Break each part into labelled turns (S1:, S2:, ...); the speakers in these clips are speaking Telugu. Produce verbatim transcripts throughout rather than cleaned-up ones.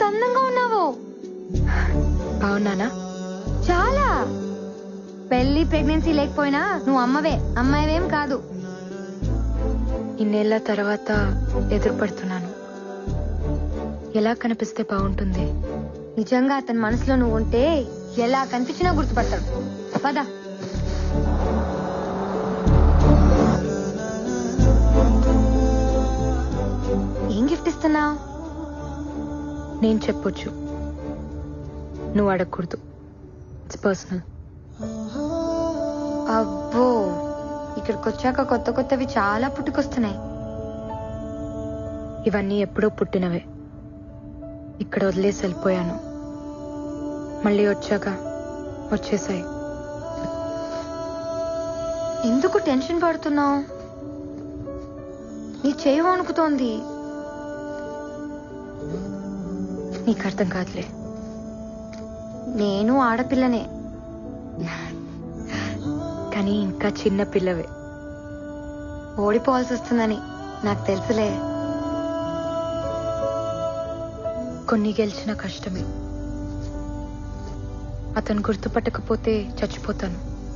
S1: ఎంత అందంగా ఉన్నావో.
S2: అవునానా?
S1: చాలా. పెళ్లి ప్రెగ్నెన్సీ లేకపోయినా నువ్వు అమ్మవే, అమ్మాయివేం కాదు.
S2: ఇన్నేళ్ల తర్వాత ఎదురుపడుతున్నాను. ఎలా కనిపిస్తే బాగుంటుంది?
S1: నిజంగా అతని మనసులో నువ్వు ఉంటే ఎలా కనిపించినా గుర్తుపడతాడు. పద. ఏం గిఫ్ట్ ఇస్తున్నావు?
S2: నేను చెప్పొచ్చు, నువ్వు అడగకూడదు. It's personal.
S1: అబ్బో, ఇక్కడికి వచ్చాక కొత్త కొత్తవి చాలా పుట్టుకొస్తున్నాయి.
S2: ఇవన్నీ ఎప్పుడో పుట్టినవే. ఇక్కడ వదిలేసి వెళ్ళిపోయాను. మళ్ళీ వచ్చాక వచ్చేసాయి.
S1: ఎందుకు టెన్షన్ పడుతున్నావు? నీ చేయి వణుకుతోంది.
S2: నీకు అర్థం కాదులే.
S1: నేను ఆడపిల్లనే,
S2: కానీ ఇంకా చిన్న పిల్లవే.
S1: ఓడిపోవాల్సి వస్తుందని నాకు తెలుసులే.
S2: కొన్ని గెలిచిన కష్టమే. అతను గుర్తుపట్టకపోతే చచ్చిపోతాను,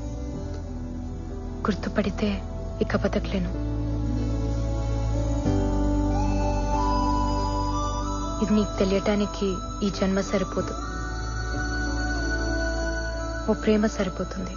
S2: గుర్తుపడితే ఇక బతకలేను. ఇది నీకు తెలియటానికి ఈ జన్మ సరిపోదు, ఓ ప్రేమ సరిపోతుంది.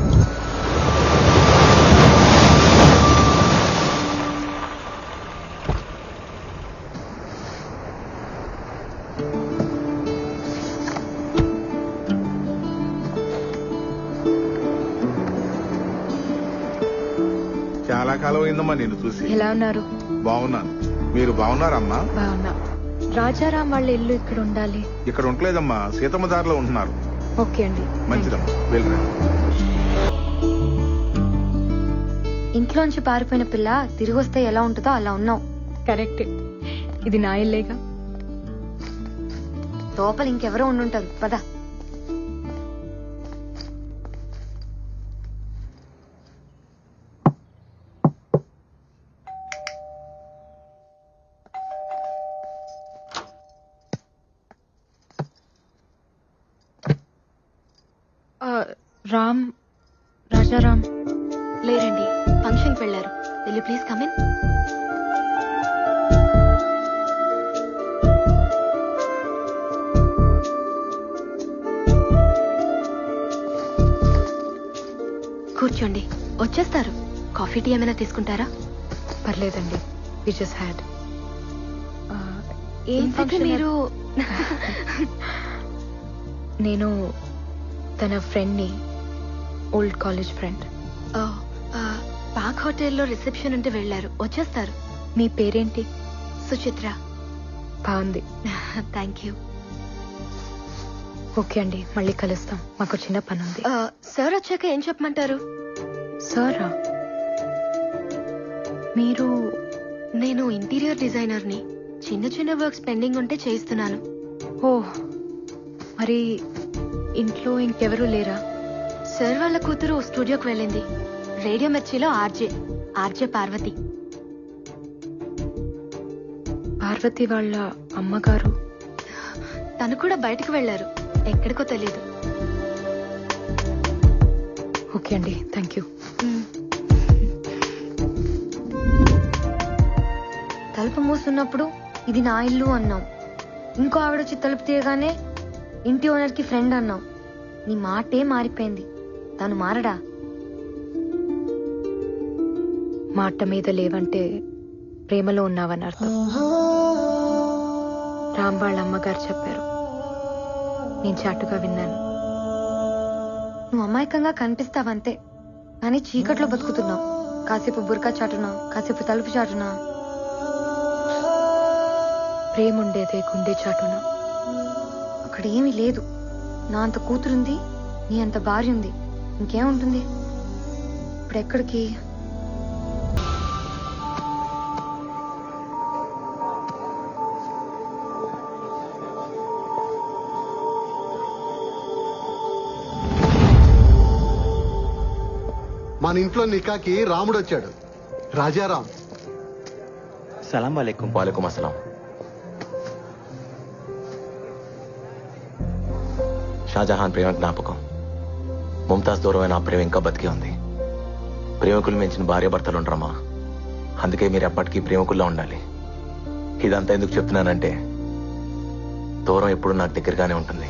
S3: చాలా కాలం అయిందమ్మా నేను చూసి.
S2: ఎలా ఉన్నారు?
S3: బాగున్నాను. మీరు బాగున్నారమ్మా?
S2: బాగున్నా. రాజారాం వాళ్ళ ఇల్లు ఇక్కడ ఉండాలి.
S3: ఇక్కడ ఉండలేదమ్మా, సీతమ్మ దారిలో ఉంటున్నారు.
S2: ఓకే అండి.
S3: మంచిదమ్మా, వెళ్ళరా.
S1: ఇంట్లోంచి పారిపోయిన పిల్ల తిరిగి వస్తే ఎలా ఉంటుందో అలా ఉన్నావు.
S2: కరెక్ట్. ఇది నా ఇల్లేగా.
S1: లోపల ఇంకెవరో ఉండుంటారు. పద.
S2: రామ్, రాజారాం
S4: లేరండి, ఫంక్షన్ కి వెళ్లారు. Will you please come in? కూర్చోండి, వచ్చేస్తారు. కాఫీ టీ ఏమైనా తీసుకుంటారా?
S2: పర్లేదండి, వి జస్ట్ హ్యాడ్.
S4: ఏంటంటే మీరు
S2: నేను తన ఫ్రెండ్ని, ఓల్డ్ కాలేజ్ ఫ్రెండ్.
S4: పాక్ హోటల్లో రిసెప్షన్ ఉంటే వెళ్లారు, వచ్చేస్తారు.
S2: మీ పేరేంటి?
S4: సుచిత్ర.
S2: బాగుంది.
S4: Thank you.
S2: ఓకే అండి, మళ్ళీ కలుస్తాం. మాకు చిన్న పని ఉంది.
S4: సార్ వచ్చాక ఏం చెప్పమంటారు?
S2: సారా? మీరు?
S4: నేను ఇంటీరియర్ డిజైనర్ని. చిన్న చిన్న వర్క్స్ పెండింగ్ ఉంటే చేయిస్తున్నాను.
S2: ఓ, మరి ఇంట్లో ఇంకెవరూ లేరా?
S4: సార్ వాళ్ళ కూతురు స్టూడియోకి వెళ్ళింది. రేడియో మిర్చిలో ఆర్జే ఆర్జే పార్వతి.
S2: పార్వతి వాళ్ళ అమ్మగారు?
S4: తను కూడా బయటకు వెళ్లారు, ఎక్కడికో తెలియదు.
S2: ఓకే అండి, థ్యాంక్ యూ.
S1: తలుపు మూసున్నప్పుడు ఇది నా ఇల్లు అన్నావు. ఇంకో ఆవిడొచ్చి తలుపు తీయగానే ఇంటి ఓనర్ కి ఫ్రెండ్ అన్నావు. నీ మాటే మారిపోయింది. తను మారడా?
S2: మాట మీద లేవంటే ప్రేమలో ఉన్నావని అర్థం. రామ్ వాళ్ళ అమ్మగారు చెప్పారు, నేను చాటుగా విన్నాను.
S1: నువ్వు అమాయకంగా కనిపిస్తావంతే, కానీ చీకట్లో బతుకుతున్నావు. కాసేపు బుర్కా చాటునా, కాసేపు తలుపు చాటునా.
S2: ప్రేముండేదే గుండె చాటున.
S1: అక్కడ ఏమీ లేదు. నా అంత కూతురుంది, నీ అంత భార్య ఉంది, ఇంకేముంటుంది? ఇప్పుడు ఎక్కడికి?
S5: మన ఇంట్లో నికాకి రాముడు వచ్చాడు, రాజారాం.
S6: సలాం వాలేకుం. వాలేకుం అస్సలాం. షాజహాన్ ప్రేమ జ్ఞాపకం. ముంతాజ్ దూరమైన ఆ ప్రేమ ఇంకా బతికే ఉంది. ప్రేమికులు మించిన భార్యాభర్తలు ఉండరమ్మా. అందుకే మీరు ఎప్పటికీ ప్రేమికుల్లో ఉండాలి. ఇదంతా ఎందుకు చెప్తున్నానంటే దూరం ఎప్పుడు నాకు దగ్గరగానే ఉంటుంది.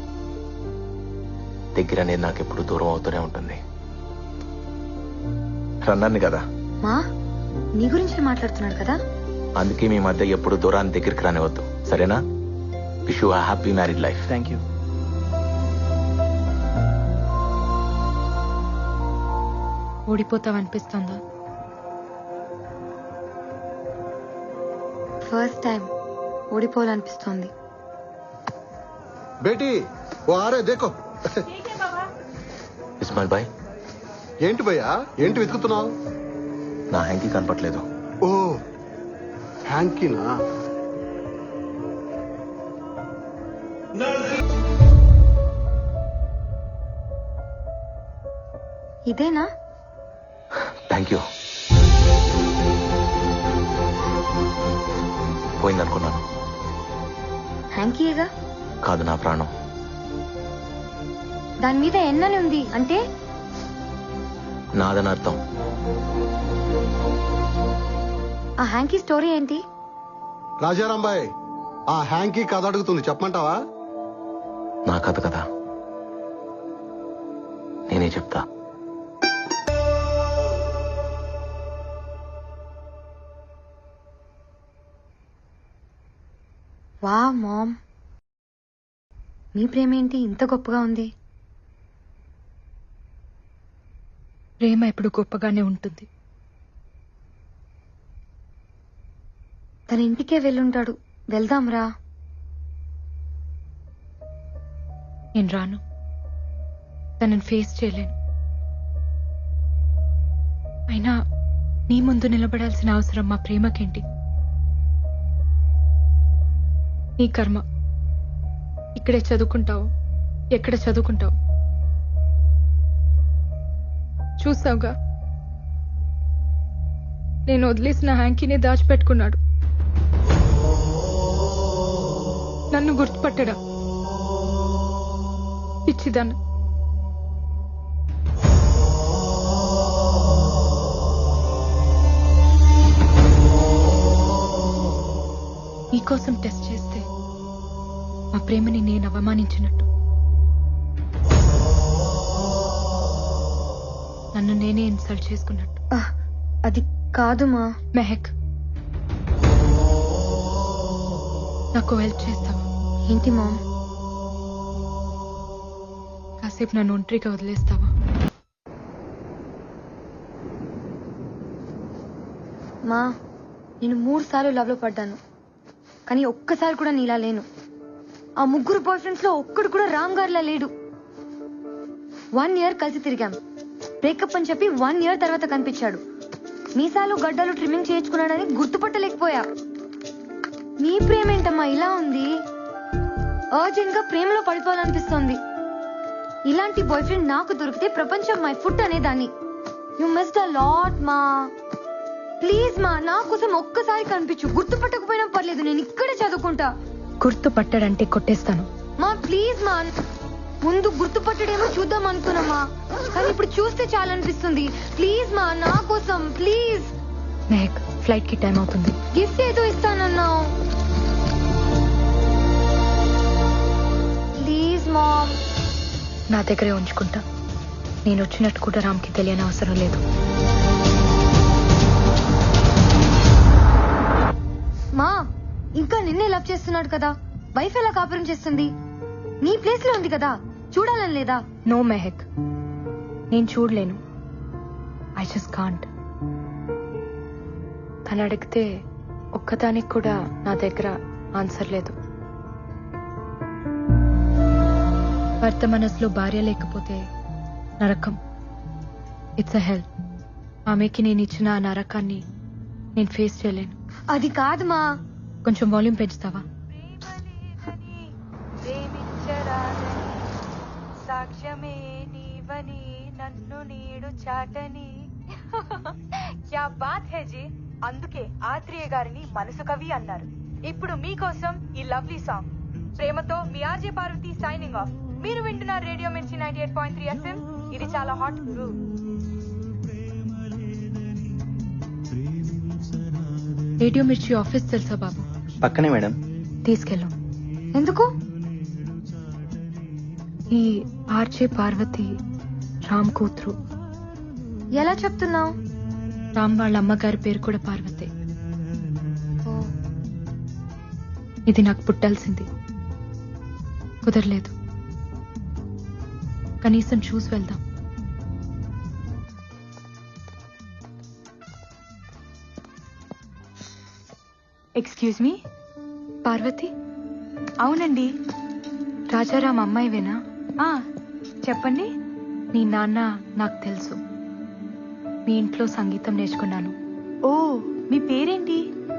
S6: దగ్గర అనేది నాకు ఎప్పుడు దూరం అవుతూనే ఉంటుంది. రన్నాన్ని కదా,
S1: మా నీ గురించి మాట్లాడుతున్నాడు కదా.
S6: అందుకే మీ మధ్య ఎప్పుడు దూరాన్ని దగ్గరికి రానివద్దు, సరేనా? Wish you happy married life.
S7: Thank you.
S4: ఓడిపోతావనిపిస్తుందా?
S1: ఫస్ట్ టైం ఓడిపోవాలనిపిస్తోంది.
S5: బేటీ ఓ ఆరే దేకో.
S6: ఇస్మాయిల్ బాయ్,
S5: ఏంటి భయ్యా, ఏంటి వెతుకుతున్నావు?
S6: నా హ్యాంకీ కనపట్లేదు.
S5: ఓ హ్యాంకీనా?
S1: ఇదేనా?
S6: Thank you. పోయిందనుకున్నాను.
S1: హ్యాంకీయేగా.
S6: కాదు, నా ప్రాణం.
S1: దాని మీద ఎన్నని ఉంది అంటే?
S6: నాదని అర్థం.
S1: ఆ హ్యాంకీ స్టోరీ ఏంటి?
S5: రాజారాం బాయ్, ఆ హ్యాంకీ కథ అడుగుతుంది, చెప్పమంటావా?
S6: నా కథ కదా, నేనే చెప్తా.
S1: వా మామ్, మీ ప్రేమేంటి ఇంత గొప్పగా ఉంది?
S4: ప్రేమ ఎప్పుడు గొప్పగానే ఉంటుంది.
S1: తన ఇంటికే వెళ్ళుంటాడు, వెళ్దాంరా.
S4: నేను రాను. తనని ఫేస్ చేయలేను. అయినా నీ ముందు నిలబడాల్సిన అవసరం మా ప్రేమకేంటి? నీ కర్మ. ఇక్కడే చదువుకుంటావు, ఎక్కడ చదువుకుంటావు చూసావుగా. నేను వదిలేసిన హ్యాంకీని దాచిపెట్టుకున్నాడు. నన్ను గుర్తుపట్టడా? పిచ్చిదాన్ని. నీకోసం టెస్ట్ చేస్తే మా ప్రేమని నేను అవమానించినట్టు, నన్ను నేనే ఇన్సల్ట్ చేసుకున్నట్టు.
S1: ఆహ్, అది కాదు మా.
S4: మెహక్, నాకు హెల్ప్ చేస్తావా?
S1: ఏంటి మామ్?
S4: కాసేపు నన్ను ఒంటరిగా వదిలేస్తావా?
S1: మా, నేను మూడు సార్లు లవ్ లో పడ్డాను, కానీ ఒక్కసారి కూడా నీలా లేను. ఆ ముగ్గురు బాయ్ ఫ్రెండ్స్ లో ఒక్కడు కూడా రామ్ గారిలా లేడు. వన్ ఇయర్ కలిసి తిరిగాం. బ్రేకప్ అని చెప్పి వన్ ఇయర్ తర్వాత కనిపించాడు. మీసాలు గడ్డలు ట్రిమ్మింగ్ చేయించుకున్నాడని గుర్తుపట్టలేకపోయా. నీ ప్రేమేంటమ్మా ఇలా ఉంది? అర్జెంట్ గా ప్రేమలో పడిపోవాలనిపిస్తోంది. ఇలాంటి బాయ్ ఫ్రెండ్ నాకు దొరికితే ప్రపంచం మై ఫుట్ అనేదాన్ని. యు మిస్డ్ అ లాట్ మా. ప్లీజ్ మా, నా కోసం ఒక్కసారి కనిపించు. గుర్తుపట్టకపోయినా పర్లేదు, నేను ఇక్కడే చదువుకుంటా.
S4: గుర్తుపట్టాడంటే కొట్టేస్తాను.
S1: మా ప్లీజ్ మా, ముందు గుర్తుపట్టడేమో చూద్దాం అనుకున్నామా, కానీ ఇప్పుడు చూస్తే చాలా అనిపిస్తుంది. ప్లీజ్ మా, నా కోసం ప్లీజ్.
S4: మెహక్, ఫ్లైట్ కి టైం అవుతుంది.
S1: గిఫ్ట్ ఏదో ఇస్తానన్నావు. Please ma'am.
S4: నా దగ్గరే ఉంచుకుంటా. నేను వచ్చినట్టు కూడా రామ్కి తెలియని అవసరం లేదు.
S1: మా, ఇంకా నిన్నే లవ్ చేస్తున్నాడు కదా, వైఫ్ ఎలా కాపురం చేస్తుంది? నీ ప్లేస్ లో ఉంది కదా, చూడాలని లేదా?
S4: నో మెహక్, నేను చూడలేను. I just can't. తను అడిగితే ఒక్కదానికి కూడా నా దగ్గర ఆన్సర్ లేదు. భర్త మనసులో భార్య లేకపోతే నరకం. It's a hell. ఆమెకి నేను ఇచ్చిన ఆ నరకాన్ని నేను ఫేస్ చేయలేను.
S1: అది కాదు మా.
S4: కొంచెం వాల్యూమ్ పెంచుతావా?
S8: సాక్ష్యమే నీవని నన్ను నీడు చాటని. క్యా బాత్ హే జీ. అందుకే ఆత్రేయ గారిని మనసు కవి అన్నారు. ఇప్పుడు మీకోసం ఈ లవ్లీ సాంగ్. ప్రేమతో మీ ఆర్జే పార్వతి సైనింగ్ ఆఫ్. మీరు వింటున్నారు radio Mirchi ninety eight point three FM. ఇది చాలా హాట్ గురు.
S4: రేడియో మిర్చి ఆఫీస్ తెలుసా బాబు?
S6: పక్కనే మేడం.
S4: తీసుకెళ్ళు.
S1: ఎందుకు?
S4: ఈ ఆర్చే పార్వతి రామ్ కూతురు.
S1: ఎలా చెప్తున్నావు?
S4: రామ్ వాళ్ళ అమ్మగారి పేరు కూడా పార్వతే. ఇది నాకు పుట్టాల్సింది, కుదరలేదు. కనీసం చూసి వెళ్దాం.
S8: Excuse me.
S4: పార్వతి,
S8: అవునండి.
S4: రాజారాం అమ్మాయివేనా?
S8: ఆ చెప్పండి.
S4: నీ నాన్న నాకు తెలుసు. మీ ఇంట్లో సంగీతం నేర్చుకున్నాను.
S8: ఓ, మీ పేరేంటి?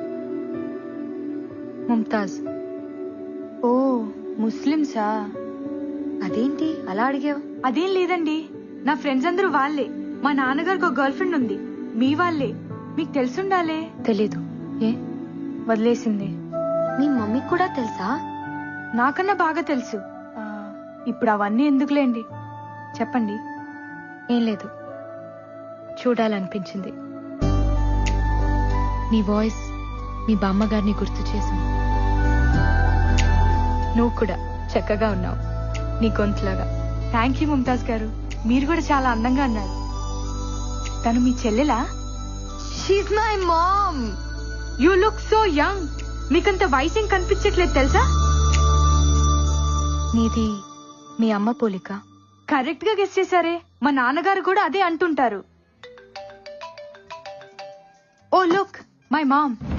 S4: ముంతాజ్.
S8: ఓ, ముస్లిమ్సా?
S1: అదేంటి అలా అడిగావు?
S8: అదేం లేదండి, నా ఫ్రెండ్స్ అందరూ వాళ్ళే. మా నాన్నగారికి ఒక గర్ల్ ఫ్రెండ్ ఉంది, మీ వాళ్ళే. మీకు తెలుసుండాలే.
S4: తెలీదు. ఏ?
S8: వదిలేసింది.
S1: మీ మమ్మీకి కూడా తెలుసా?
S8: నాకన్నా బాగా తెలుసు. ఆ, ఇప్పుడు అవన్నీ ఎందుకులేండి, చెప్పండి.
S4: ఏం లేదు, చూడాలనిపించింది. నీ వాయిస్ మీ బామ్మగారిని గుర్తు చేసింది. నువ్వు కూడా చక్కగా ఉన్నావు, నీ గొంతులాగా.
S8: థ్యాంక్ యూ ముంతాజ్ గారు, మీరు కూడా చాలా అందంగా అన్నారు. తను మీ చెల్లెలా?
S1: She's my mom.
S8: You look so young. మీకంత వయసు ఏం కనిపించట్లేదు తెలుసా?
S4: నీది మీ అమ్మ పోలిక.
S8: కరెక్ట్ గా గెస్ చేశారే. మా నాన్నగారు కూడా అదే అంటుంటారు. Oh look, my ma'am.